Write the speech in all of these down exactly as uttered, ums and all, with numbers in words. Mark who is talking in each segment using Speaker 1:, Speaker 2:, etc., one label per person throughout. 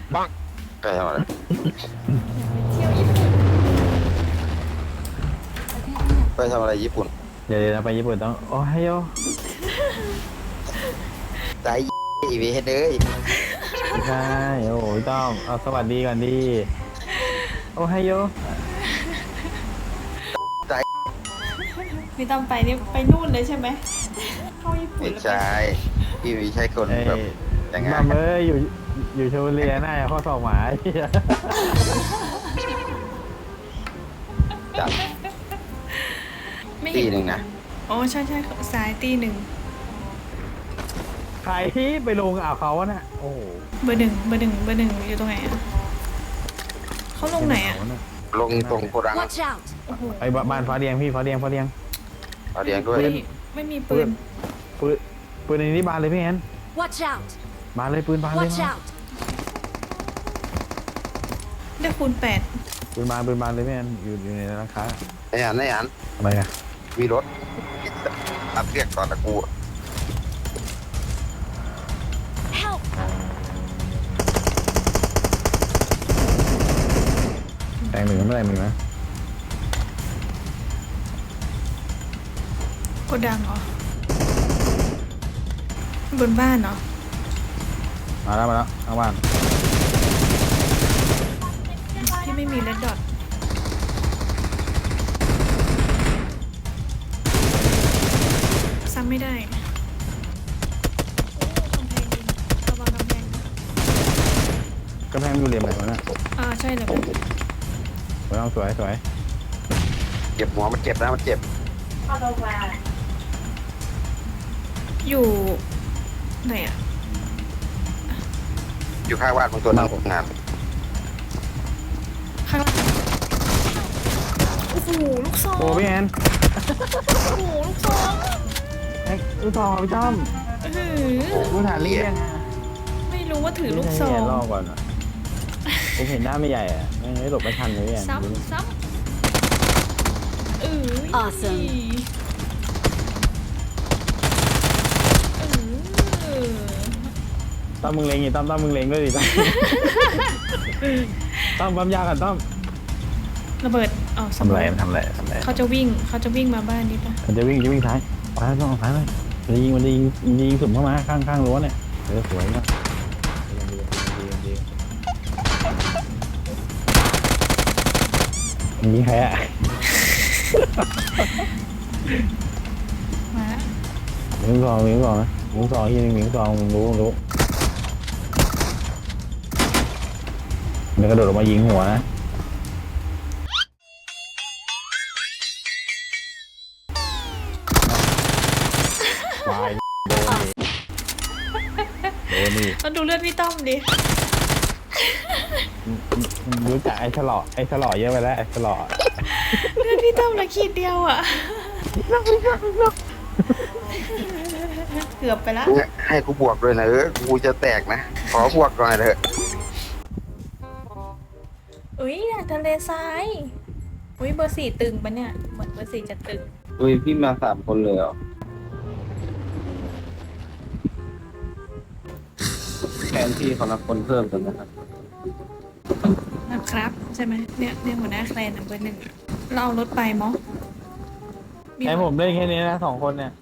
Speaker 1: ปังไปทำอะไรไปทำอะไรญี่ปุ่น
Speaker 2: เดี๋ยวเราไปญี่ปุ่นต้องโอ้ยโย
Speaker 1: ใจอีเวนเลย
Speaker 2: ไม่ใช่โอ้ยต้องเอาสวัสดีก่อนดีโอ้ยโย
Speaker 1: ใจ
Speaker 3: พี่ต้องไปนี่ไปนู่นเลยใช่ไหมเข้าญี่ปุ่น
Speaker 1: ไม่
Speaker 3: แล้ว
Speaker 1: ใช่พี่ไม่ใช่คน
Speaker 2: เอ้
Speaker 1: แบบอย่างงั้
Speaker 2: มาน เอ้ยอยู่อยู่ชลบุรีน่าจะข้อสอบหมาเหี้ย
Speaker 1: จัด
Speaker 3: ไม่
Speaker 1: ปี
Speaker 3: เห็น
Speaker 1: หนึ่งนะ
Speaker 3: อ๋อใช่ใช่สายตีหนึ่ง
Speaker 2: ใครที่ไปลงอ่าวเขาวะน่ะโอ้โห
Speaker 3: เบอร์หนึ่งเบอร์หนึ่งเบอร์หนึ่งอยู่ตรงไหนอะเขาลงไหนอะ
Speaker 1: ลงตรงโกดัง
Speaker 4: Watch out!
Speaker 3: โอ้โห
Speaker 2: ไอ้บ้านฟ้าเรียงพี่ฟ้าเรียงฟ้าเรียง
Speaker 1: เอาเรียงด้วย
Speaker 3: ไม่ไม่มีปืน
Speaker 2: ปืนปืนในนี้บานเลยพี่แอน
Speaker 4: Watch out!
Speaker 2: บานเลยปืนบานเลย
Speaker 4: Watch
Speaker 2: มา
Speaker 4: out!
Speaker 3: ได้คูณแปด
Speaker 2: ปืนบานปืนบานเลยพี่แอนอยู่อยู่ในร้านค้า
Speaker 1: ไอ้อันไอ้อัน
Speaker 2: อะไรอะ
Speaker 1: มีรถอัดเรียกตอนตะกู
Speaker 4: Help!
Speaker 2: แตงหนึ่งเมื่อไหร่มึงนะ
Speaker 3: กดดังเหรอ บนบ้านเหรอ
Speaker 2: มาแล้วมาแล้วเอาบ้าน
Speaker 3: ที่ไม่มีเลดดอทซ้ำไม่ได้โอ้กำแพงดินระวังกำแพง
Speaker 2: กำแพงอยู่เหลี่ยมไหนวะน่ะ
Speaker 3: อ่าใช่เลย
Speaker 2: สวยเอาสวยสวย
Speaker 1: เจ็บหัวมันเจ็บนะมันเจ็บ
Speaker 3: อยู่ไหนอะ
Speaker 1: อยู่ข้างบ้านของตัวนึงงาน
Speaker 3: ข้างล่างโอ้โหลูกซอง
Speaker 2: โอ้พี่แอน
Speaker 3: โอ้โหลูกซอง
Speaker 2: ไอ้ลูกซองพี่ต้อม
Speaker 3: อื้อหือ
Speaker 2: ลูกฐานเรียง
Speaker 3: ไม่รู้ว่าถือลูกซอ
Speaker 2: ไม่ใช่
Speaker 3: ง
Speaker 2: แย่รอบก่อนอ่ะผมเห็นหน้าไม่ใหญ่อ่ะไม่ไม่หลบไม่ทันเลยพี่แอน
Speaker 3: ซ้ำซ้ำเออ
Speaker 4: Awesome
Speaker 3: เออ
Speaker 2: ต้อมมึงเลงอีต้อมต้อมมึงเลงด้วยดิต้อมต้อมปั๊มยากันต้อม
Speaker 3: ระเบิดอ๋อส
Speaker 2: ทำ
Speaker 3: ม
Speaker 2: ไร
Speaker 3: อง
Speaker 2: ทำไรทำไร
Speaker 3: เขาจะวิ่งเขาจะวิ่งมาบ้านนี้ปะ
Speaker 2: มันจะวิ่งจะวิ่งซ้ายซ้ายต้องซ้ายเลยมันจะยิงมันจะยิงยิงสุ่มเข้ามาข้างข้างรั้วเนี่ยเออสวยมากยิงใครอ่ะ
Speaker 3: มาละ
Speaker 2: มิงซองมิงซองนะมิงซองที่มิงซองมึงรู้มึงรู้มันกระโดดออกมายิงหัวนะวายโดนโดนนี่
Speaker 3: เราดูเลือดพี่ต้อมดิ
Speaker 2: รู้จักไอ้ฉลอไอ้ฉลอเยอะไปแล้วไอ้ฉลอ
Speaker 3: เลือดพี่ต้อมเหละขีดเดียวอ่ะเกือบไปละ
Speaker 1: ให้กูบวกด้วยนะเออกูจะแตกนะขอบวกหน่อยเถอะ
Speaker 3: อุ้ยอยากทะเลทรายอุ้ยเบอร์สี่ตึงปะเนี่ยเหมือนเบอร์สี่จะตึง
Speaker 5: อุ้ยพี่มาสามคนเลยเหรอแทนที่เขารับคนเพิ่มกันนะครับ
Speaker 3: นะครับใช่ไหมเนี่ยเนี่ยหัวหน้าแคลนเบอร์หนึ่งเราเอารถไปมั้งมี
Speaker 2: ไอ้ผมเล่นแค่นี้นะสองคนเนี่ย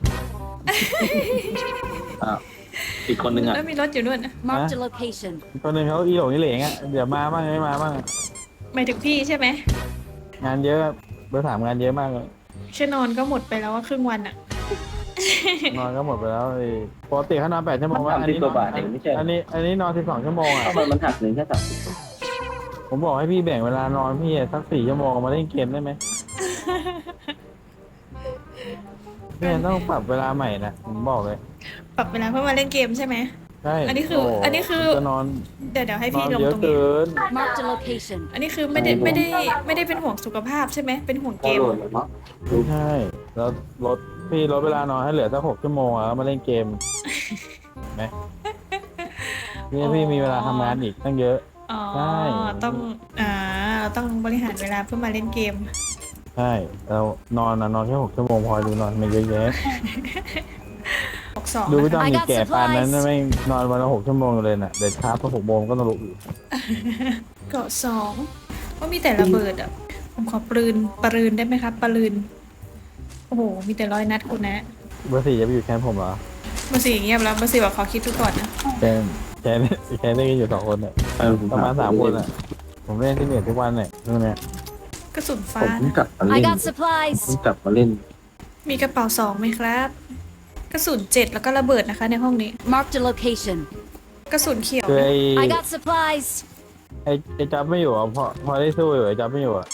Speaker 5: อ้าวอีกคนนึงอ่ะ
Speaker 3: แล้วมีรถอยู่ด้วยนะ
Speaker 4: Marked a location.
Speaker 2: คนหนึ่งเขาอีหลงอีเหลงอ่ะเดี๋ยวมาบ้างไม่มาบ้าง
Speaker 3: หมายถึงพี่ใช่ไหม
Speaker 2: งานเยอะเบอร์สามงานเยอะมากเลย
Speaker 3: ชั่วนอนก็หมดไปแล้วว่าครึ่งวันอะ
Speaker 2: นอนก็หมดไปแล้วไอ้ปกติเขานอนแปดชั่วโมงว่าอัน
Speaker 5: สิบ
Speaker 2: นี้
Speaker 5: กว่าบาทเองไม่ใช่
Speaker 2: อันนี้อันนี้นอนสิบสองชั่วโมงอ่ะ
Speaker 5: ทำไมมันหักหนึ่งแค่สามสิบ
Speaker 2: ผมบอกให้พี่แบ่งเวลานอนพี่สักสี่ชั่วโมงมาเล่นเกมได้ไหมพี่ต้องปรับเวลาใหม่นะผมบอกเลย
Speaker 3: ปรับเวลาเพื่อมาเล่นเกมใช่ไหม
Speaker 2: ใช่
Speaker 3: อันนี้คือ
Speaker 2: โ
Speaker 3: อันนี้คือ
Speaker 2: จะนอน
Speaker 3: เดี๋ยวเดี๋ยวให้
Speaker 2: นอ
Speaker 3: พี่
Speaker 2: น
Speaker 3: ลง
Speaker 2: เยอะ
Speaker 3: ตรงนี้
Speaker 2: เกิน
Speaker 4: Marked a location.
Speaker 3: อันนี้คือไม่ได้ไม่ได้ไม่ได้เป็นห่วงสุขภาพใช่ไหมเป็นห่วง
Speaker 5: พ
Speaker 3: เก
Speaker 5: อ
Speaker 3: ม
Speaker 5: โหลดแล้วเนาะ
Speaker 2: ไม่ใช่แล้วลดพี่ลดเวลานอนให้เหลือสักหกชั่วโมงแล้วมาเล่นเกมไหมพี่พี่มีเวลาทำงานอีกตั้งเยอะ
Speaker 3: อ๋อ
Speaker 2: ใช่
Speaker 3: ต้องอ่าเราต้องบริหารเวลาเพื่อมาเล่นเกม
Speaker 2: ใช่เรานอนนะนอนแค่หกชั่วโมงพอดูนอนไม่เยอะแยะ
Speaker 3: หกสอง
Speaker 2: ดูไม่ต้อง
Speaker 4: I
Speaker 2: มี
Speaker 4: got
Speaker 2: แก่ปานนั้น
Speaker 4: supplies
Speaker 2: ไม่นอนวันละหกชั่วโมงเลยน่ะเด็ดช้าพอหกโมงก็ต้องลุกอีก
Speaker 3: เกาะสองว่ามีแต่ระเบิดอ่ะ ผมขอปืนปืนได้ไหมครับปืนโอ้โห มีแต่ร้อยนัดคุณนะ
Speaker 2: เบอร์สี่จะไปอยู่แคมป์ผมเหรอ
Speaker 3: เบอร์สี่เงียบแล้วเบอร์สี่บอกขอคิดดูก่อนนะ
Speaker 2: แคมป์แคมป์แคมป์เล่นกันอยู่สองคนเนี่ย
Speaker 5: เออผม
Speaker 2: ประมาณสามคนอ่ะ ผมเล่นที่เหนือทุกวันเนี่ยตรงเนี้ย
Speaker 3: กระสุนฟ้า
Speaker 5: ผมเพิ่ง
Speaker 3: นะ
Speaker 5: กลับมา
Speaker 4: I
Speaker 5: เล่น
Speaker 4: got
Speaker 5: ผม
Speaker 4: supplies.
Speaker 5: เพิ่งกลับมาเล่น
Speaker 3: มีกระเป๋าสองไหมครับ กระสุนเจ็ดแล้วก็ระเบิดนะคะในห้องนี้
Speaker 4: Marked a location.
Speaker 3: กระสุนเขียว
Speaker 2: คือ
Speaker 3: นะ
Speaker 2: ไอ้
Speaker 4: I got supplies.
Speaker 2: ไอ้ไอ้จับไม่อยู่อ่ะพอพอได้สู้อยู่ไอ้จับไม่อยู่อ่ะ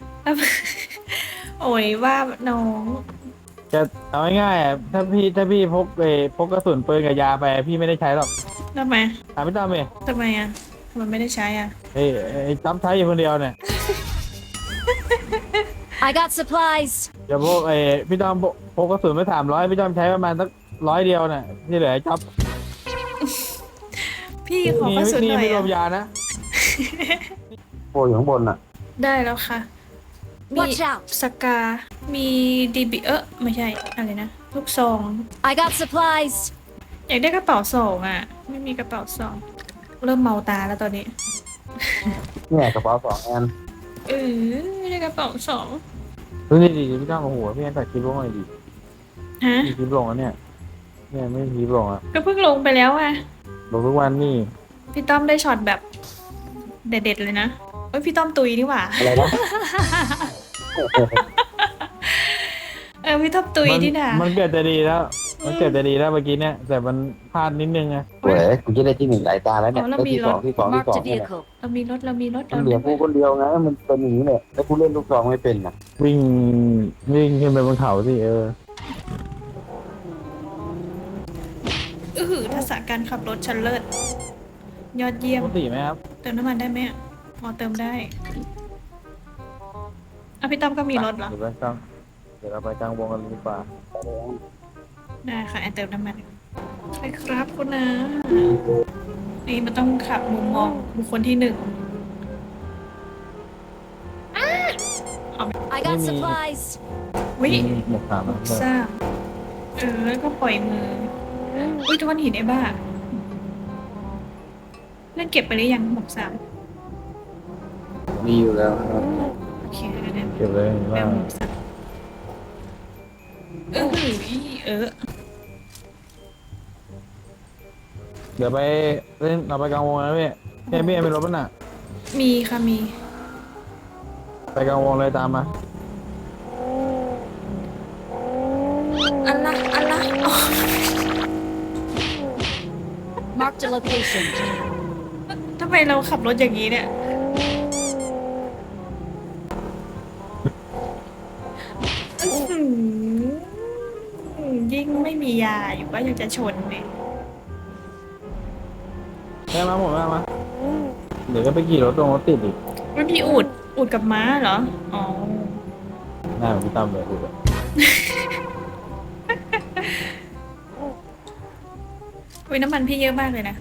Speaker 3: โอ้ยว่าน้อง
Speaker 2: จะเอาง่ายๆอ่ะถ้าพี่ถ้าพี่พกเออพกกระสุนปืนกับยาไปพี่ไม่ได้ใช้หรอก
Speaker 3: ทำไม
Speaker 2: ถามพี่ตั้มเอง
Speaker 3: ทำไมอ่ะทำไมไม่ได้ใช้อ่ะ
Speaker 2: ไอ้ไอ้จับใช้อยู่คนเดียวเนี่ย
Speaker 4: I got supplies.
Speaker 2: เดี๋ยวพกไอ้พี่ตั้มพกพกกระสุนไปสามร้อยพี่ตั้มใช้ประมาณสักร้อยเดียวเนี่ยที่เหลือไอ้จับ
Speaker 3: พี่ขอกระสุน
Speaker 2: นี่
Speaker 3: หน่อย
Speaker 2: ไม่รวม
Speaker 3: อ่ะ
Speaker 2: ยานะ
Speaker 5: โปรอยู่ข้างบนอ่ะ
Speaker 3: ได้แล้วค่ะ มี
Speaker 4: Watch out.
Speaker 3: สกา มีดีบีเออไม่ใช่ อะไรนะ ลูกซอง
Speaker 4: I got supplies.
Speaker 3: อยากได้กระเป๋าสองอ่ะ ไม่มีกระเป๋าสอง เริ่มเมาตาแล้วตอนนี้
Speaker 5: เนี่ยกระเป๋าสองอัน
Speaker 3: เออไม่ได้กระเป๋าสอง
Speaker 2: เฮ้ยนี่ดีพี่ตั้มโอ้โหพี่แอนตัดคลิปลงหน่อยดิ
Speaker 3: ฮะ
Speaker 2: มีคลิปลงอ่ะเนี่ยเนี่ยไม่มีคลิปลงอ่ะ
Speaker 3: ก็เพิ่งลงไปแล้วอ่ะ
Speaker 2: ลงทุกวันนี่
Speaker 3: พี่ต้อมได้ช็อตแบบเด็ดๆเลยนะเอ้ยพี่ต้อมตุยนี่หว่า
Speaker 5: อะไรนะ
Speaker 3: เออพี่ต้อมตุย
Speaker 2: มั
Speaker 3: นี่นะ
Speaker 2: มันเกิดจะดีแล้ว มันเกิดจะดีแล้วเมื่อกี้เนี่ยแต่มันพลาดนิดนึงไง
Speaker 5: เว้ยกูจะได้ที่หนึ่งหลายตาแล้วเนี่ย
Speaker 3: อ๋อแล้ว
Speaker 5: ได้
Speaker 3: มี
Speaker 5: ที่
Speaker 3: ร
Speaker 5: ส
Speaker 3: ถ
Speaker 5: องที่สองที่ส
Speaker 4: Marked
Speaker 5: อง
Speaker 4: a
Speaker 5: เนี่ย
Speaker 4: vehicle.
Speaker 3: เรามีรถเรามีรถ
Speaker 5: มันเหลือกูคนเดียวไงมันเป็นอย่างนี้เนี่ยแล้วกูเล่นลูกซองไม่เป็นน่ะ
Speaker 2: วิ่งวิ่งขึ้นไปบนเขาสิเออ
Speaker 3: อือหือทักษะการขับรถชันเลิศยอดเยี่ยม
Speaker 2: ปกติไหมครับ
Speaker 3: เติมน้ำมันได้ไหมอ่ะอ๋อเติมได้อ่ะพี่ต้อมก็มีรถเหรอ
Speaker 2: เดี๋ยวไปกลางเดี๋ยวเราไปกลางวงกันดีกว่า
Speaker 3: ได้ค่ะแอนเติมน้ำมันใช่ครับคุณนะนี่มันต้องขับมุมมองบุคคลที่หนึ่ง
Speaker 4: I got supplies.
Speaker 3: วิ
Speaker 2: มีหมวกสามนะ
Speaker 3: ทราบเออแล้วก็ปล่อยมืออุ้ยทุกคนหินไอ้บ้าเล่นเก็บไปหรือยังหมวกสาม
Speaker 5: มีอยู่แล้วครับ
Speaker 3: โอเคเดี๋ยวเดี๋ยว
Speaker 2: เก็บเลย
Speaker 3: แบ
Speaker 2: ว่า
Speaker 3: บหมวกสามเออหือเออ
Speaker 2: เดี๋ยวไปเล่นเราไปกลางวงนะพี่พี่พี่เป็นรถป่ะน่ะ
Speaker 3: มีค่ะมี
Speaker 2: ไปกลางวงเลยตามมา
Speaker 3: อันละอันละอ๋อ
Speaker 4: Marked a location.
Speaker 3: ทำไมเราขับรถอย่างนี้เนี่ยอื้อหือยิ่งไม่มียาอยู่ก็ยังจะชนเลย
Speaker 2: แม่มาหมดแม่มาเดี๋ยวก็ไปขี่รถตรงรถติดอีก
Speaker 3: มันมีอูดอูดกับม้าเหรอ อ๋อ
Speaker 2: หน้าเหมือนพี่ตั้มเลยดูเลย
Speaker 3: อุ้ยน้ำมันพี่เยอะมากเลยนะ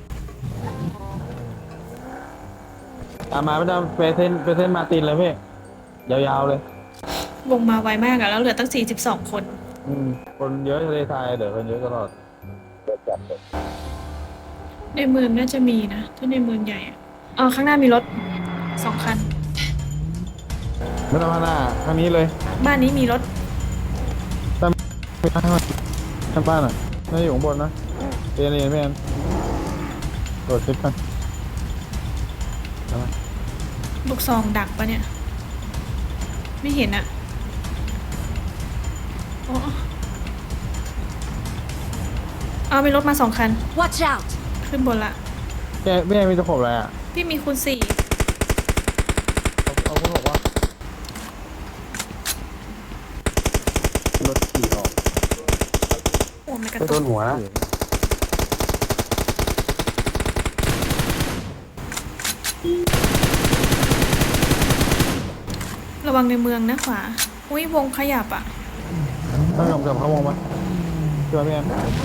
Speaker 2: ตามมาพี่ตั้มไปเส้นไปเส้นมาร์ตินเลยพี่ยาวๆเลย
Speaker 3: วงมาไวมากอะแล้วเหลือตั้งสี่สิบสองคน
Speaker 2: อืมคนเยอะทะเลทรายเดี๋ยวคนเยอะตลอด
Speaker 3: ในเมืองน่าจะมีนะ ถ้าในเมืองใหญ่อะอ๋อข้างหน้ามีรถสองคัน
Speaker 2: ไม่ต้องมาหน้าทางนี้เลย
Speaker 3: บ้านนี้มีรถ
Speaker 2: ไปข้างล่างข้างบ้านอ่ะน่าจะอยู่ข้างบนนะเรียนเรียนไม่แอนโดดคลิปกัน
Speaker 3: ลูกซองดักปะเนี่ย ไม่เห็นอะโอ้เอามีรถมาสองคัน
Speaker 4: Watch out.
Speaker 3: ขึ้นบนละ
Speaker 2: แกไม่มีตะขบอะไรอ่ะ
Speaker 3: พี่มีคูณสี่
Speaker 2: เอาเอาคุณบอกว่าร
Speaker 5: ถขี่ออก
Speaker 3: โอ้ไม่กระ
Speaker 5: ไปโด
Speaker 3: ตุก
Speaker 5: นหัวนะ
Speaker 3: ระวังในเมืองนะขวา อุ้ยวงขยับอะ
Speaker 2: ต้องกลับกลับเข้าวงไหมช่วยพี่แอน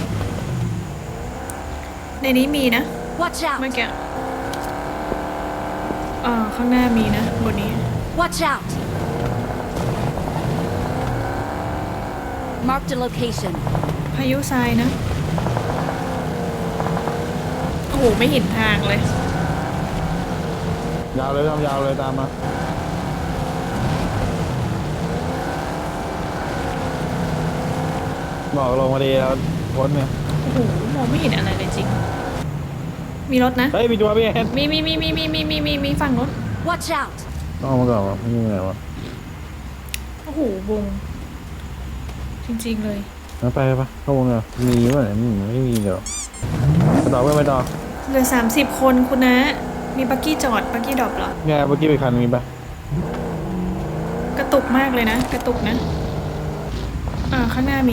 Speaker 3: ในนี้มีนะ
Speaker 4: Watch
Speaker 3: เมื่อ
Speaker 4: out.
Speaker 3: กี้เอ่อข้างหน้ามีนะบนนี้
Speaker 4: Watch out. Marked a location.
Speaker 3: พายุทรายนะ โอ้โห ไม่เห็นทางเลย
Speaker 2: ยาวเลยทำยาวเลยตามมาบอกลงมาดีแล้วพ้นเนี่ย
Speaker 3: โอ้โหมองไม่เห็นอะไรเลยจริง มีรถนะ
Speaker 2: เฮ้ยมีตัวพี่เอ็น
Speaker 3: มีมีมีมีมีมีมีมีมีฝั่งรถ
Speaker 4: Watch out!
Speaker 2: ต้องเอามาก่อนวะไม่มีอะไรวะ
Speaker 3: โอ้โหวงจริงๆเลย
Speaker 2: งั้นไปปะเข้าวงเลยมีป่ะเนี่ยไม่ไม่มีเดี๋ยวไปต่อเพื่อนไปต่อ
Speaker 3: เหลือสามสิบคนคุณนะ มีบักกี้จอดบักกี้ดรอปเหรอ
Speaker 2: เนี่ยเมื่อกี้ไปคันมีปะ
Speaker 3: กระตุกมากเลยนะ กระตุกนะ อ่าข้างหน้ามี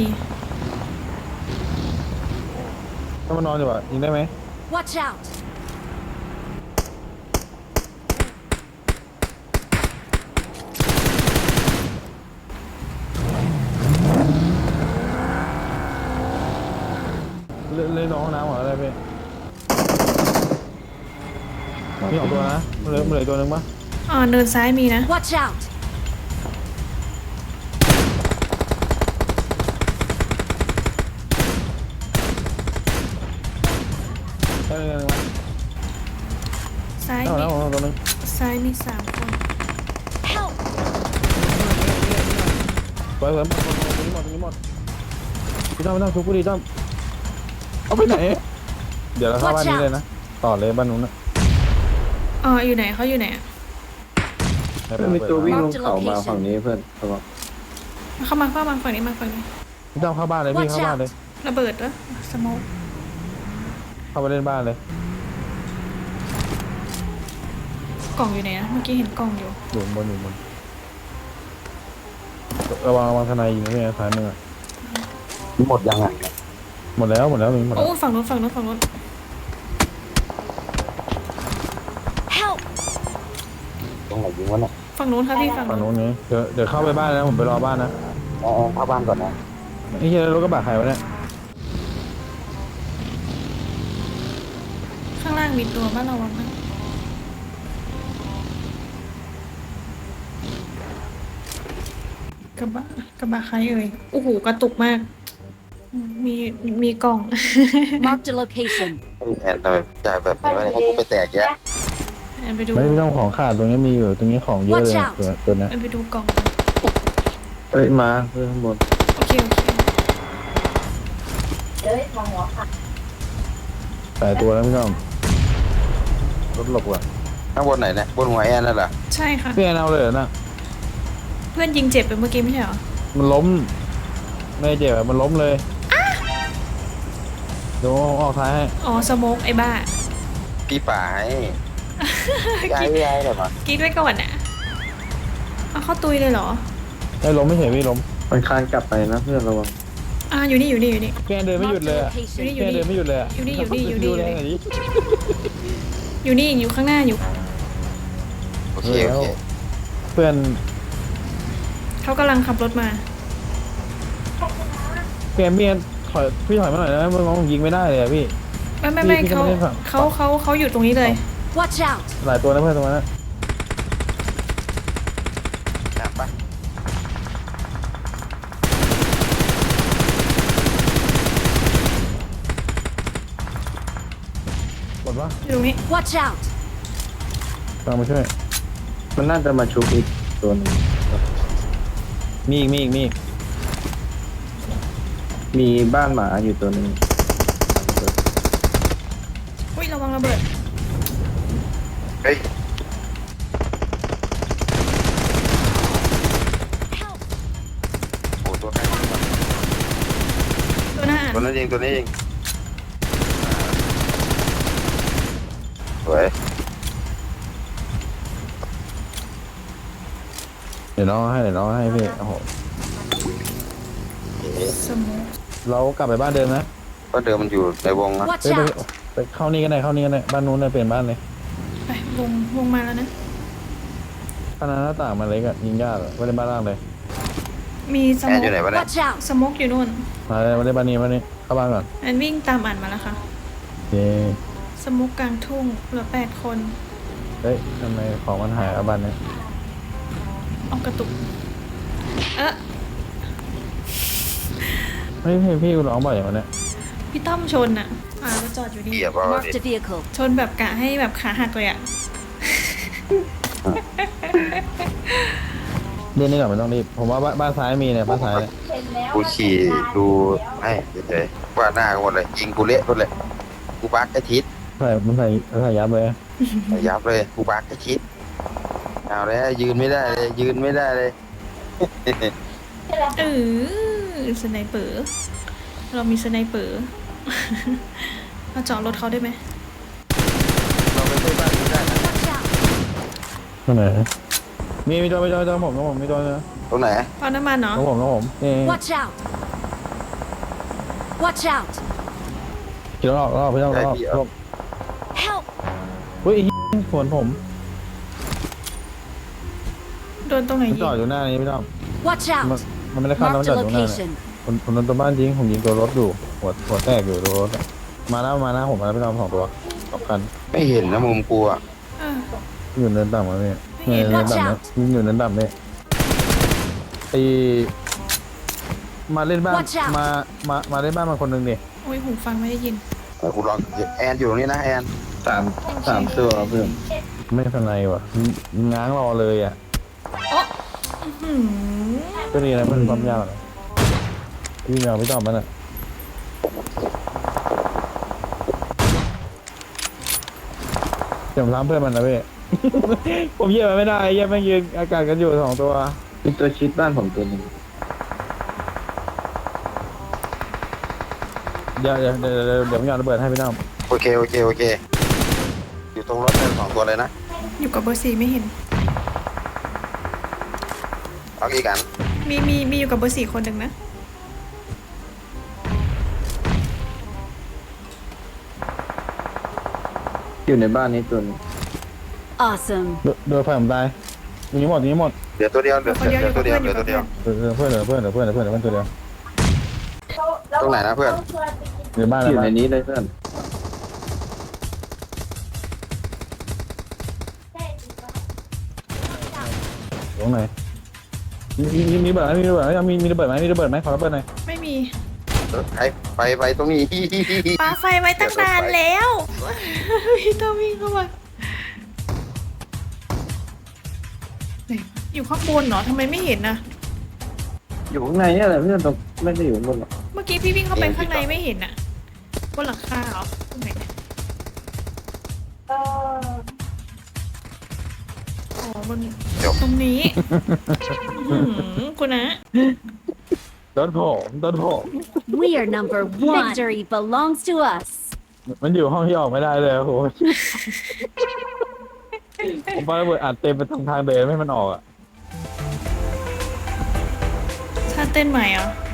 Speaker 2: ถ้ามานอนอยู่อ่ะยิงได้ไหม
Speaker 4: Watch out!
Speaker 2: เล่นเล่นในห้องน้ำเหรออะไรพี่มีสองตัวนะมันเหลือมันเหลืออกตัวหนึงปะ
Speaker 3: อ่าเนินซ้ายมีนะ
Speaker 4: Watch out!
Speaker 2: ใช่เลยมั้ย
Speaker 3: ซ้าย
Speaker 2: เอา
Speaker 3: มี
Speaker 2: แล้วเอาตัวหนึง
Speaker 3: ซ้ายมีสามคน
Speaker 4: Help!
Speaker 2: ไปเหมือนหมดหมดหมดหมดหมดพี่ต้อมพี่ต้อมทุบกูดีต้อมเอาไปไหน เดี๋ยวเราเข้าบ้านนี้เลยนะต่อเลยบ้านนู้นนะ
Speaker 3: อ๋ออยู่ไหนเขาอยู่ไหนอะ
Speaker 5: เพื่อนมีตัววิ่งลงเขามาฝั่งนี้เพื่อนระวัง
Speaker 3: เข้ามาเข้ามาฝั่งนี้มาฝั่งนี้
Speaker 2: พี่ต้อมเข้าบ้านเลยพี่
Speaker 4: Watch
Speaker 2: เข้าบ้าน
Speaker 4: out
Speaker 2: เลย
Speaker 3: ระเบิดวะสโมก
Speaker 2: เข้าไปเล่นบ้านเลย
Speaker 3: กล่องอยู่ไหนนะเมื่อกี้เห็นกล่องอยู่
Speaker 2: อยู่บนอยู่บนระวังระวังทนายยิงนะพี่ซ้ายมือ
Speaker 5: หมดยังอ่ะ
Speaker 2: หมดแล้วหมดแล้วหมด
Speaker 3: โอ้
Speaker 2: แล้ว
Speaker 3: ฝั่งนู้นฝั่งนู้นฝั่งนู้น
Speaker 4: Help!
Speaker 5: ตรงไหนยิงวะเนี่ย
Speaker 3: ฝั่งนู้นครับพี่ฝั่ง
Speaker 2: ฝั่ง
Speaker 3: นู้น
Speaker 2: นู้นไงเดี๋ยวเดี๋ยวเข้าไปบ้านนะผมไปรอบ้านนะ
Speaker 5: อ๋อเข้าบ้านก่อนนะ
Speaker 2: ไอ้เหี้ยรถกระบะใครวะเนี่ย
Speaker 3: ข้างล่างมีตัวบ้านระวังนะกระบะกระบะใครเอ่ยโอ้โหกระตุกมาก มีมีกล่อง
Speaker 4: Marked a location.
Speaker 1: ไอ้แอนทำไมจ่ายแบบนี้วะเนี่ยให้กูไปแตกแยะ
Speaker 3: แอนไปดู
Speaker 2: ไม่ไม่ต้องของขาดตรงนี้มีอยู่ตรงนี้ของเยอะเลย
Speaker 4: Watch out
Speaker 2: ตัวตัวนี้
Speaker 3: แอนไปดูกล่อง
Speaker 5: เอ้ยมาเพื่อนข้างบน
Speaker 3: โอเคโอเค
Speaker 2: แต่ตัวแล้วไม่ต้องรถหลบว่ะ
Speaker 1: ข้างบนไหนเนี่ยบนหัวแอนนั่นเหรอ
Speaker 3: ใช่ค่ะ
Speaker 2: พี่แอนเอาเลยเหรอนะ
Speaker 3: เพื่อนยิงเจ็บไปเมื่อกี้ไม่ใช่เหรอ
Speaker 2: มันล้มไม่เจ็บอะมันล้มเลยเดี๋ยวออกท้ายให้
Speaker 3: อ๋อสโมกไอ้บ้า
Speaker 1: พี่ป่าให้ย้ายย้ายเลยมั้ง
Speaker 3: กิ๊กไว้ก่อนน่ะเอาเข้าตุยเลยเหรอ
Speaker 2: ไม่ล้มไม่เฉยพี่ล้ม
Speaker 5: มันคลานกลับไปนะเพื่อนระวัง
Speaker 3: อ่าอยู่นี่อยู่นี่อยู่นี่
Speaker 2: แกเดินไม่หยุด
Speaker 4: Marked
Speaker 2: เลย
Speaker 4: a
Speaker 2: อะ
Speaker 4: location.
Speaker 3: อยู่
Speaker 2: แก
Speaker 3: นี่
Speaker 2: เดินไม่หยุดเลยอะ
Speaker 3: อยู่นี่อยู่นี่อยู่นี่
Speaker 2: ดูแรงหน่อยดิ
Speaker 3: อยู่นี่อยู่ข้างหน้าอยู่
Speaker 1: โอเคโอเค
Speaker 2: เพื่อน
Speaker 3: เขากำลังขับรถมา
Speaker 2: แกเมียถอยพี่ถอยมาหน่อยนะเมื่อกี้ผมยิงไม่ได้เลยอะพี่
Speaker 3: ไม่ไม่ไม่
Speaker 2: พี่
Speaker 3: เขา
Speaker 2: ไม่ได้ฝั่ง
Speaker 3: เขาเขาเขาอยู่ตรงนี้เลย
Speaker 4: Watch out!
Speaker 2: หลายตัวนะเพื่อนตรงนั้นนะ
Speaker 1: จับปะ
Speaker 2: หมดปะ
Speaker 3: อยู่ตรงนี้
Speaker 4: Watch out!
Speaker 2: ตามมาช่วย
Speaker 5: มันน่าจะมาชุบอีกตัวหนึง
Speaker 2: มีอีกมีอีกมีอีก
Speaker 5: มีบ้านหมาอยู่ตัวหนึง
Speaker 3: อุ้ยระวังระเบิด
Speaker 1: เฮ้ย
Speaker 4: Help!
Speaker 1: โอ้ตัวใครยิงวะ
Speaker 3: ตัวหน้าอ่าน
Speaker 1: ตัวนั้นยิงตัวนี้ยิงสวย
Speaker 2: เดี๋ยวน้องให้เดี๋ยวน้องให้พี่โอ้โห
Speaker 3: สโมก
Speaker 2: เรากลับไปบ้านเดิมนะ
Speaker 1: เพราะเดิมมันอยู่ในวงนะ
Speaker 4: Watch
Speaker 2: เฮ้ยไป
Speaker 4: out!
Speaker 2: ไปเข้านี่กันได้เข้านี่กันได้บ้านนู้นเลยเปลี่ยนบ้านเลย
Speaker 3: ไปวงวงมาแล้วนะ
Speaker 2: ขนาดหน้าต่างมันเล็กอะยิงยากอะไม่ได้บ้านล่างเลย
Speaker 3: มีส
Speaker 1: แอ
Speaker 3: โม
Speaker 1: น
Speaker 3: ก
Speaker 1: อยู่ไหนวะเนี่ย
Speaker 4: Watch out!
Speaker 3: สโมกอยู่นู่น
Speaker 2: มาเลยมาได้บ้านนี้บ้านนี้เข้าบ้านก่อน
Speaker 3: แอนวิ่งตามอ่านมาแล้วค่ะ
Speaker 2: โอเค
Speaker 3: สโมกกลางทุ่งเหลือแปดคน
Speaker 2: เฮ้ยทำไมของมันหายเอาบ้านเนี้ย
Speaker 3: ออกกระตุก เอ๊ะ
Speaker 2: ไม่พี่พี่ร้องบ่อยอย่างวันเนี้ย
Speaker 3: พี่ต้อมชนอ่ะ อ่ารถจอดอยู่นี่
Speaker 1: เหยียบเอาดิ
Speaker 4: Marked a vehicle.
Speaker 3: ชนแบบกะให้แบบขาหักเลยอ่ะ
Speaker 2: เล่นนี่ก่อนไม่ต้องรีบผมว่าบ้านบ้านซ้ายมีเนี่ยบ้านซ้ายเนี่ย
Speaker 1: กูขี่ดูให้เฉยๆว่าหน้ากันหมดเลยยิงกูเละหมดเลยกูบักไอ้ทิศ
Speaker 2: ใส่มันใส่ใส่ยับเลย
Speaker 1: ยับเลยกูบักไอ้ทิศเอาแล้วยืนไม่ได้เลยยืนไม่ได้เลย
Speaker 3: เออสไนเปอร์เรามีสไนเปอร์ มาเจาะรถเขาได้ไหม
Speaker 1: เราไปช่วยบ้านกูได้นะ
Speaker 4: Watch out!
Speaker 2: ตรงไหนมีมีตัวมีตัวมีตัวผมผมมีตัวนะ
Speaker 1: ตรงไหน
Speaker 3: ปั๊มน้ำมันเนาะ
Speaker 2: ของผมของผมนี่
Speaker 4: Watch out! Watch out!
Speaker 2: ขี่รถออกรอบพี่ต้องรอบรอบ
Speaker 4: Help!
Speaker 2: อุ้ยไอ้เหี้ยสวนผม
Speaker 3: โดนตรงไหน
Speaker 2: มัน
Speaker 3: ยิ
Speaker 2: จอด
Speaker 3: ง
Speaker 2: อยู่หน้านี้พี่ต้อง
Speaker 3: Watch
Speaker 2: มัน
Speaker 3: out
Speaker 2: มันไม่ได้ข้ามแล้วมัน
Speaker 4: Marked
Speaker 2: จ
Speaker 4: a
Speaker 2: อดอยู่หน้าเนี่ย
Speaker 4: location.
Speaker 2: ผมผมโดนตัวบ้านยิงผมยิงตัวรถอยู่หัวหัวแตกอยู่ตัวรถอะมาแล้วมาแล้วผมมาแล้วพี่ต้องสองตัวสองคัน
Speaker 1: ไม่เห็นนะมุมกูอ่ะ
Speaker 3: เออ
Speaker 2: อยู่เนินต่ำมาเนี่ย
Speaker 3: ไม่เห็น
Speaker 2: เนินต่ำเนี่ยอยู่เนินต่ำเนี่ยไอมาเล่นบ้าน
Speaker 4: Watch out
Speaker 2: มามามาเล่นบ้านมาคนหนึ่งดิ
Speaker 3: โอ้ยหูฟังไม่ได้ยิน
Speaker 1: เออกูลองแอนอยู่ตรงนี้นะแอน
Speaker 5: สามสามตัวเพื่อน
Speaker 2: ไม่เป็นไรว่ะง้างรอเลยอ่ะ
Speaker 3: อื้อหือ
Speaker 2: ก็ดีนะมันความยากนะพี่แมวพี่ตอบมันอ่ะเดี๋ยวผมทำเพื่อนมันนะพี่ ผมเยี่ยมมันไม่ได้เยี่ยมแม่งยืนอากาศกันอยู่สองตัว
Speaker 5: มีตัวชิดบ้านผมตัวหนึง
Speaker 2: เดี๋ยวเดี๋ยวเดี๋ยวเดี๋ยวเดี๋ยวผมโยนระเบิดให้พี่น้อง
Speaker 1: โอเคโอเคโอเค อยู่ตรงรถเลยสองตัวเลยนะ
Speaker 3: อยู่กับเบอร์สี่ไม่เห็น
Speaker 1: เอากี่กัน
Speaker 3: มีมีมีอยู่กับเบอร์สี่คนหนึ่งนะ
Speaker 5: อยู่ในบ้านนี้ตัวหนึง
Speaker 4: Awesome.
Speaker 2: โดโดนไฟผมตายอย่างนี้หมดอย่างนี้หมด
Speaker 1: เหลือตัวเดียวเหลือเหลือตัวเดียวเหลือตัวเดียว
Speaker 2: เออเออเพื่อนเหลือเพื่อนเหลือเพื่อนเหลือเพื่อนเหลือเพื่อนตัวเดียว
Speaker 1: ตรงไหนนะเพื่อน
Speaker 2: เหลือบ้าน
Speaker 5: อยู่
Speaker 2: เหลื
Speaker 5: ใน
Speaker 2: อบ้าน
Speaker 5: นี้เลยเพื่อน
Speaker 2: ตรงไหนมีมีมีมีระเบิดไหมมีระเบิดไหมมีมีระเบิดไหมมีระเบิดไหมขอระเบิดหน่อย
Speaker 3: ไม่มี
Speaker 1: ไปไปไปตรงนี้
Speaker 3: ปาไฟไว้ตั้งนานแล้ว พี่ต้องวิ่งเข้ามาไหนอยู่ข้างบนเหรอทำไมไม่เห็นนะ
Speaker 5: อยู่ข้างในเนี่ยแหละเพื่อนตรงไม่ได้อยู่ข้างบนหรอก
Speaker 3: เมื่อกี้พี่วิ่งเข้าไปข้างในไม่เห็นอะบนหลังคาเหรอตรงไหนเนี่ยอ๋อบนตรงนี้อื้อหือคุณนะ
Speaker 2: โดนผมโดนผม
Speaker 4: We are number one. Victory belongs to us.
Speaker 2: มันอยู่ห้องที่ออกไม่ได้เลยโอ้โหผมปาระเบิดอัดเต็มไปทางทางเดินไม่ให้มันออกอ่ะ
Speaker 3: ท่าเต้นใหม่เหรอ